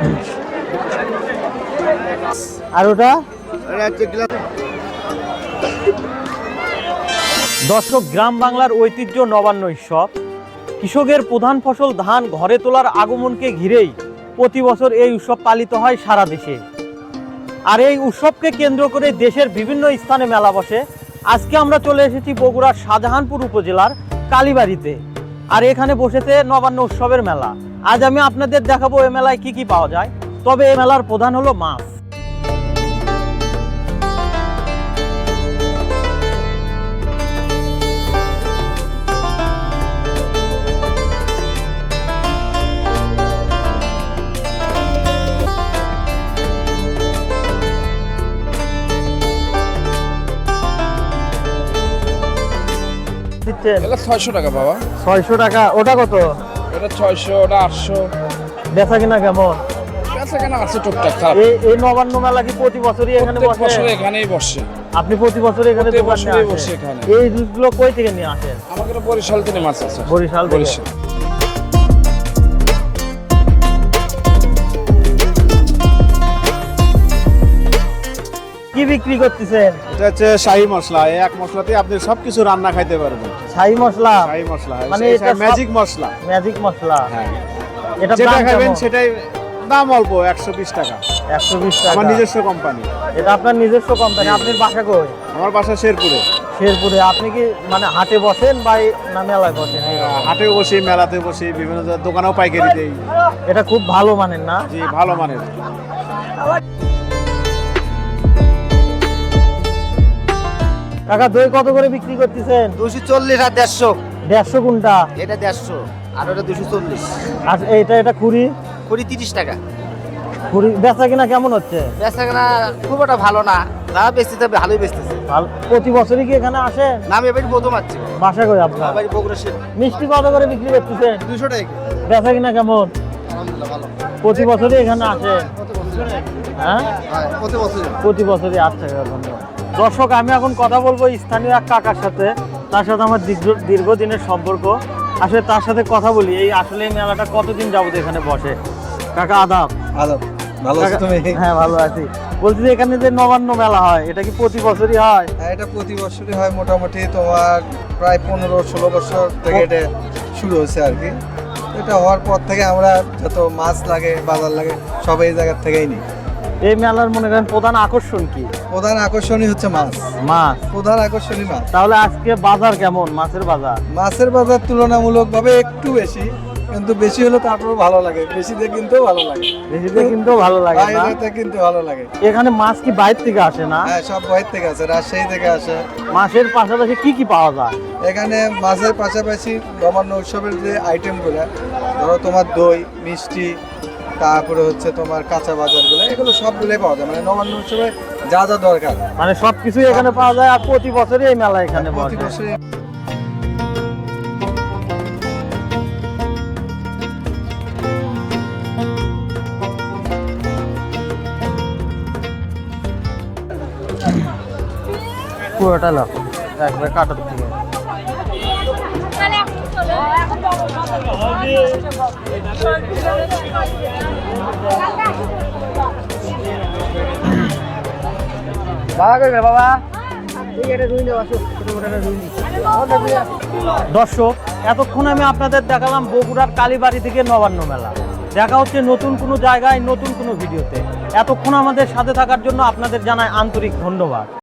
আর ওটা দর্শক, গ্রাম বাংলার ঐতিহ্য নবান্ন উৎসব। কৃষকের প্রধান ফসল ধান ঘরে তোলার আগমনকে ঘিরেই প্রতি বছর এই উৎসব পালিত হয় সারা দেশে। আর এই উৎসবকে কেন্দ্র করে দেশের বিভিন্ন স্থানে মেলা বসে। আজকে আমরা চলে এসেছি বগুড়ার শাহজাহানপুর উপজেলার কালীবাড়িতে। আর এখানে বসেছে নবান্ন উৎসবের মেলা। আজ আমি আপনাদের দেখাবো এই মেলায় কি কি পাওয়া যায়। তবে এই মেলার প্রধান হলো মাছ। এটা 600 টাকা বাবা। 600 টাকা। ওটা কত? এটা 600, ওটা 800। বেচা কিনা কেমন? বেচা কেনা আছে টুকটাক। খারাপ। এই নবান্ন মেলা কি প্রতি বছরই এখানে বসে? প্রতি বছর এখানেই বসে। আপনি প্রতি বছর এখানে প্রতি দোকান বছরই নিয়ে বসে আসেন? এখানে। এই জিনিসগুলো কই থেকে নিয়ে আসেন? আমাদের বরিশাল থেকে মাছ আছে। বরিশাল থেকে। বরিশাল। কি বিক্রি করতেছেন? এটা হচ্ছে শাহী মশলা। এই এক মশলাতে আপনি সবকিছু রান্না খাইতে পারবেন। শাহী মশলা? শাহী মশলা মানে এটা এটা ম্যাজিক মশলা। ম্যাজিক মশলা। হ্যাঁ, এটা যেটা দাম খাবেন কেমন? সেটাই দাম অল্প, 120 টাকা। 120 টাকা। আমার নিজস্ব কোম্পানি। এটা আপনার নিজস্ব কোম্পানি? আপনার বাসা কই? আমার বাসা শেরপুরে। শেরপুরে। আপনি কি মানে হাটে বসেন বা না মেলায় বসেন? হাটেও বসি, মেলাতে বসি, বিভিন্ন দোকানেও পাইকারি দেই। এটা খুব ভালো মানের না? জি, ভালো মানের। কাকা, দই কত করে বিক্রি করতেছেন? 240 আর 150। 150 কোনটা? এটা 150 আর ওটা 240। আর এটা খুরি? কুড়ি 30 টাকা। খুরি বেচা কিনা কেমন হচ্ছে? বেচাকেনা খুব একটা ভালো না, যা বেচতেছে ভালোই বেচতেছে। ভালো। প্রতি বছরই কি এখানে আসেন? নাম এবারই প্রথম আসছে। বাসা কই আপনার? বাড়ি বগুড়া শের। মিষ্টি কত করে বিক্রি করতেছেন? 200 টাকা। বেচা কিনা কেমন? আলহামদুলিল্লাহ ভালো। প্রতি বছরই এখানে আসেন? হ্যাঁ, হ্যাঁ, প্রতি বছর। প্রতি বছরই। আচ্ছা, ধন্যবাদ। দর্শক, আমি এখন কথা বলবো স্থানীয় এক কাকার সাথে। তার সাথে আমার দীর্ঘদিনের সম্পর্ক। আসলে তার সাথে কথা বলি, আসলে এই মেলাটা কতদিন যাবত এখানে বসে। কাকা আদাব। আদাব। ভালো আছো তুমি? হ্যাঁ, ভালো আছি। বলছি যে এখানে যে নবান্ন মেলা হয়, এটা কি প্রতি বছরই হয়? হ্যাঁ, এটা প্রতি বছরই হয়। মোটামুটি তোমার প্রায় 15-16 বছর থেকে এটা শুরু হয়েছে আর কি। এটা হওয়ার পর থেকে আমরা যত মাছ লাগে, বাজার লাগে, সব এই জায়গার থেকেই নিই। এই মেলার মনে করেন প্রধান আকর্ষণ কি? প্রধান আকর্ষণই হচ্ছে মাছ। মাছ। প্রধান আকর্ষণই মাছ। তাহলে আজকে বাজার কেমন? মাছের বাজার? মাছের বাজার তুলনামূলকভাবে একটু বেশি, কিন্তু বেশি হলে তারপরেও ভালো লাগে। বেশিতে কিনতেও ভালো লাগে। বেশিতে কিন্তু ভালো লাগে না? বাইরেতে কিনতে ভালো লাগে। এখানে মাছ কি বাইরে থেকে আসে না? হ্যাঁ, সব বাইরে থেকে আসে, রাজশাহী থেকে আসে। মাছের পাশাপাশি কি কি পাওয়া যায় এখানে? মাছের পাশাপাশি নবান্ন উৎসবের যে আইটেমগুলো, ধরো তোমার দই, মিষ্টি, তারপরে হচ্ছে তোমার কাঁচা বাজারগুলো, এগুলো সবগুলোই পাওয়া যায়। মানে নবান্ন উৎসবে যা যা দরকার মানে সবকিছুই এখানে পাওয়া যায়। আর প্রতি বছরই এই মেলা এখানে প্রতি বসে। বছরই। পুরোটা লাভ একবার কাটার থেকে। দর্শক, এতক্ষণ আমি আপনাদের দেখালাম বগুড়ার কালীবাড়ি থেকে নবান্ন মেলা। দেখা হচ্ছে নতুন কোনো জায়গায়, নতুন কোনো ভিডিওতে। এতক্ষণ আমাদের সাথে থাকার জন্য আপনাদের জানাই আন্তরিক ধন্যবাদ।